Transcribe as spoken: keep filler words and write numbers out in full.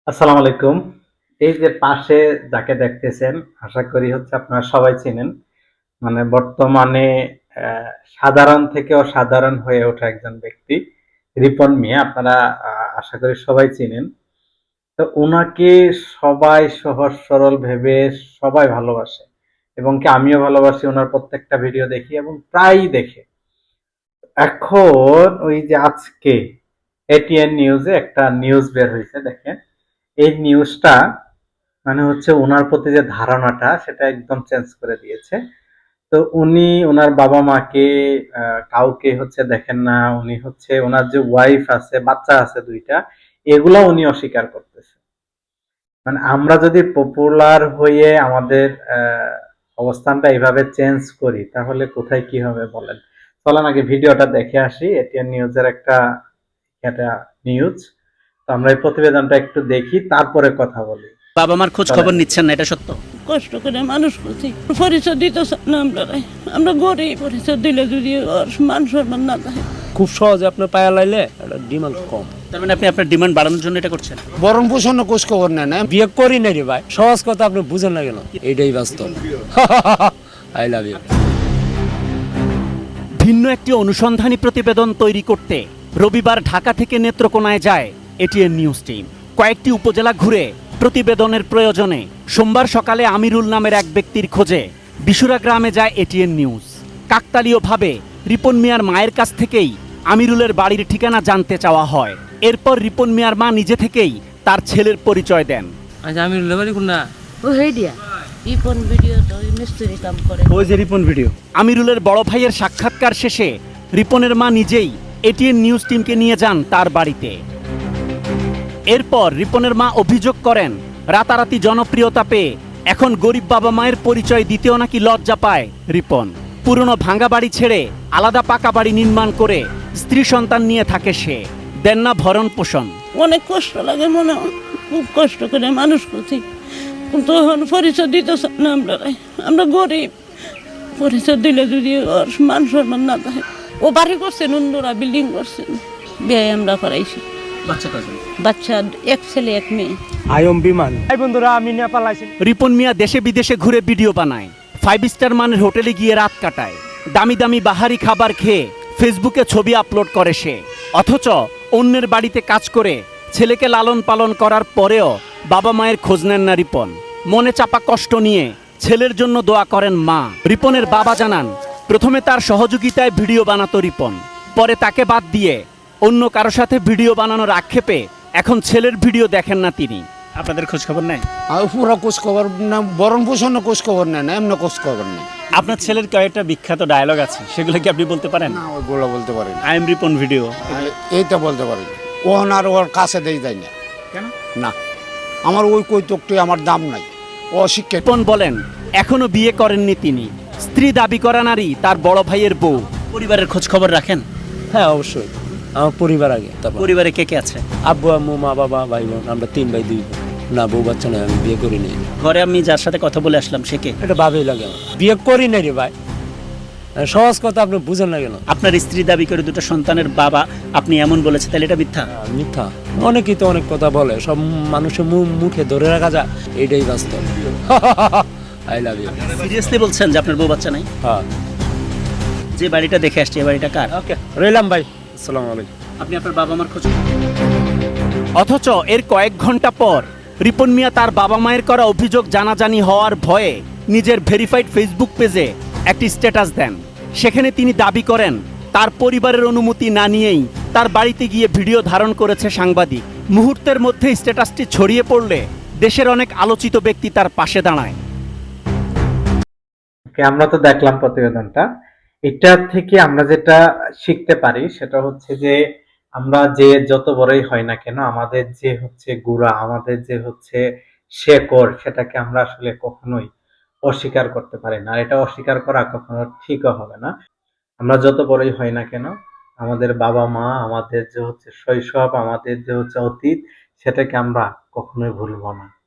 আসসালামু আলাইকুম। এই যে পাশে যাকে দেখতেছেন, আশা করি হচ্ছে আপনারা সবাই চিনেন। মানে বর্তমানে আ সাধারণ থেকে অসাধারণ হয়ে ওঠা একজন ব্যক্তি, রিপন মিয়া। আপনারা আ আশা করি সবাই চিনেন। তো উনাকে সবাই সহজ সরল ভেবে সবাই ভালোবাসে এবং কি আমিও ভালোবাসি। উনার প্রত্যেকটা ভিডিও দেখি এবং প্রায়ই দেখি। এখন ওই যে আজকে এটিএন নিউজে একটা নিউজ বের হয়েছে, দেখেন। এই নিউজটা মানে হচ্ছে উনার প্রতি যে ধারণাটা সেটা একদম চেঞ্জ করে দিয়েছে। তো উনি ওনার বাবা মাকে আহ, কাউকে হচ্ছে দেখেন না। উনি হচ্ছে ওনার যে ওয়াইফ আছে, বাচ্চা আছে দুইটা, এগুলা উনি অস্বীকার করতেছে। মানে আমরা যদি পপুলার হয়ে আমাদের আহ, অবস্থানটা এইভাবে চেঞ্জ করি তাহলে কোথায় কি হবে বলেন। চলেন আগে ভিডিওটা দেখে আসি। এটিএন নিউজের একটা একটা নিউজ। তো আমরা এই প্রতিবেদনটা একটু দেখি, তারপরে কথা বলি। বাবা মার খোঁজ খবর নিচ্ছেন না, এটা সত্য? কষ্ট করে মানুষ করছি, পরিচয় দিতে চান না আমরা। আমরা গরিব, পরিচয় দিলে যদি ওর মান সম্মান না থাকে। খুব সহজে আপনার পায়া লাইলে এটা ডিমান্ড কম। তার মানে আপনি আপনার ডিমান্ড বাড়ানোর জন্য এটা করছেন? বরণ পোষণ কোষ খবর নেন না, বিয়ে করি নাই রে ভাই। সহজ কথা আপনি বুঝেন না কেন? এইটাই বাস্তব। I love you. ভিন্ন একটি অনুসন্ধানী প্রতিবেদন তৈরি করতে রবিবার ঢাকা থেকে নেত্রকোনায় যায় এটিএন নিউজ টিম। কয়েকটি উপজেলা ঘুরে প্রতিবেদনের প্রয়োজনে সোমবার সকালে আমিরুল নামের এক ব্যক্তির খোঁজে বিশুরা গ্রামে যায় এটিএন নিউজ। কাকতালীয়ভাবে রিপন মিয়ার মায়ের কাছ থেকেই আমিরুলের বাড়ির ঠিকানা জানতে চাওয়া হয়। এরপর রিপন মিয়ার মা নিজে থেকেই তার ছেলের পরিচয় দেন। আচ্ছা, আমিরুলের বাড়ি কোন না? ও হে দিয়া ইপন ভিডিও তো মিস্ত্রি কাম করে। ওই যে রিপন ভিডিও। আমিরুলের বড় ভাইয়ের সাক্ষাৎকার শেষে রিপনের মা নিজেই এটিএন নিউজ টিমকে নিয়ে যান তার বাড়িতে। এরপর রিপনের মা অভিযোগ করেন, রাতারাতি জনপ্রিয়তা পেয়ে এখন গরিব বাবা মায়ের পরিচয় দিতেও নাকি লজ্জা পায় রিপন। পুরনো ভাঙা বাড়ি ছেড়ে আলাদা পাকা বাড়ি নির্মাণ করে স্ত্রী সন্তান নিয়ে থাকে সে। দেন না ভরণ পোষণ। অনেক কষ্ট লাগে, মনে হয় খুব কষ্ট করে মানুষ করছি, কিন্তু এখন পরিচয় দিতে চান না আমরা। আমরা গরিব, পরিচয় দিলে যদি ওর মান সম্মান না থাকে। ও বাড়ি করছেন, অন্যরা বিল্ডিং করছেন, বিয়ে আমরা করাইছি। বাচ্চা কয়জন? বাচ্চা এক ছেলে এক মেয়ে। আয়ম বিমান। এই বন্ধুরা, আমি নেপাল আইছি। রিপন মিয়া দেশে বিদেশে ঘুরে ভিডিও বানায়, ফাইভ স্টার মানের হোটেলে গিয়ে রাত কাটায়, দামি দামি বাহারি খাবার খেয়ে ফেসবুকে ছবি আপলোড করে সে। অথচ অন্যের বাড়িতে কাজ করে ছেলেকে লালন পালন করার পরেও বাবা মায়ের খোঁজ নেন না রিপন। মনে চাপা কষ্ট নিয়ে ছেলের জন্য দোয়া করেন মা। রিপনের বাবা জানান, প্রথমে তার সহযোগিতায় ভিডিও বানাতো রিপন, পরে তাকে বাদ দিয়ে অন্য কারো সাথে ভিডিও বানানোর আক্ষেপে এখন ছেলের ভিডিও দেখেন না তিনি। আপনাদের খোঁজ খবর নেয়? আর পুরো কোষ খবর না, বরণ পোষণ কোষ খবর নেন না, এমনি কোষ খবর নেই। আপনার ছেলের কয়েকটা বিখ্যাত ডায়লগ আছে, সেগুলো কি আপনি বলতে পারেন? না, ওইগুলো বলতে পারি না। I am Ripon video. এইটা বলতে পারি না। ও আর ওর কাছে দেই যায় না। কেন? না, আমার ওই কৈতকটি আমার দাম নাই। ও শিক্ষিত। রিপন বলেন, এখনো বিয়ে করেননি তিনি। স্ত্রী দাবি করা নারী তার বড় ভাইয়ের বউ। পরিবারের খোঁজ খবর রাখেন? হ্যাঁ, অবশ্যই। আমার পরিবার আগে, তারপর পরিবারে কে কে আছে? আব্বু আম্মু মা বাবা ভাই বোন, আমরা তিন ভাই দুই বোন। না, বউ বাচ্চা নাই, আমি বিয়ে করি নাই। ঘরে আমি যার সাথে কথা বলে আসলাম সে কে? এটা ভাবেই লাগে আমার। বিয়ে করি নাই রে ভাই। সহজ কথা আপনি বুঝেন না কেন? আপনার স্ত্রী দাবি করে দুটো সন্তানের বাবা আপনি এমন বলেছে, তাহলে এটা মিথ্যা? আহ, মিথ্যা। অনেকেই তো অনেক কথা বলে, সব মানুষের মুখ মুখে ধরে রাখা যায়, এইটাই বাস্তব। I love you. সিরিয়াসলি বলছেন যে আপনার বউ বাচ্চা নাই? হ্যাঁ। যে বাড়িটা দেখে আসছি, এই বাড়িটা কার? ওকে, রইলাম ভাই। আসসালামু আলাইকুম। আপনি আপনার বাবা মার খোঁজ। অথচ এর কয়েক ঘন্টা পর রিপন মিয়া তার বাবা মায়ের করা অভিযোগ জানাজানি হওয়ার ভয়ে নিজের ভেরিফাইড ফেসবুক পেজে একটি স্ট্যাটাস দেন। সেখানে তিনি দাবি করেন, তার পরিবারের অনুমতি না নিয়েই তার বাড়িতে গিয়ে ভিডিও ধারণ করেছে সাংবাদিক। মুহূর্তের মধ্যে স্ট্যাটাসটি ছড়িয়ে পড়লে দেশের অনেক আলোচিত ব্যক্তি তার পাশে দাঁড়ায়। আমরা তো দেখলাম প্রতিবেদনটা। এটা থেকে আমরা যেটা শিখতে পারি সেটা হচ্ছে যে আমরা যে যত বড়ই হয় না কেন, আমাদের যে হচ্ছে গুড়া, আমাদের যে হচ্ছে শেকড়, সেটাকে আমরা আসলে কখনোই অস্বীকার করতে পারি না। আর এটা অস্বীকার করা কখনো ঠিকও হবে না। আমরা যত বড়ই হই না কেন, আমাদের বাবা মা, আমাদের যে হচ্ছে শৈশব, আমাদের যে হচ্ছে অতীত, সেটাকে আমরা কখনোই ভুলবো না।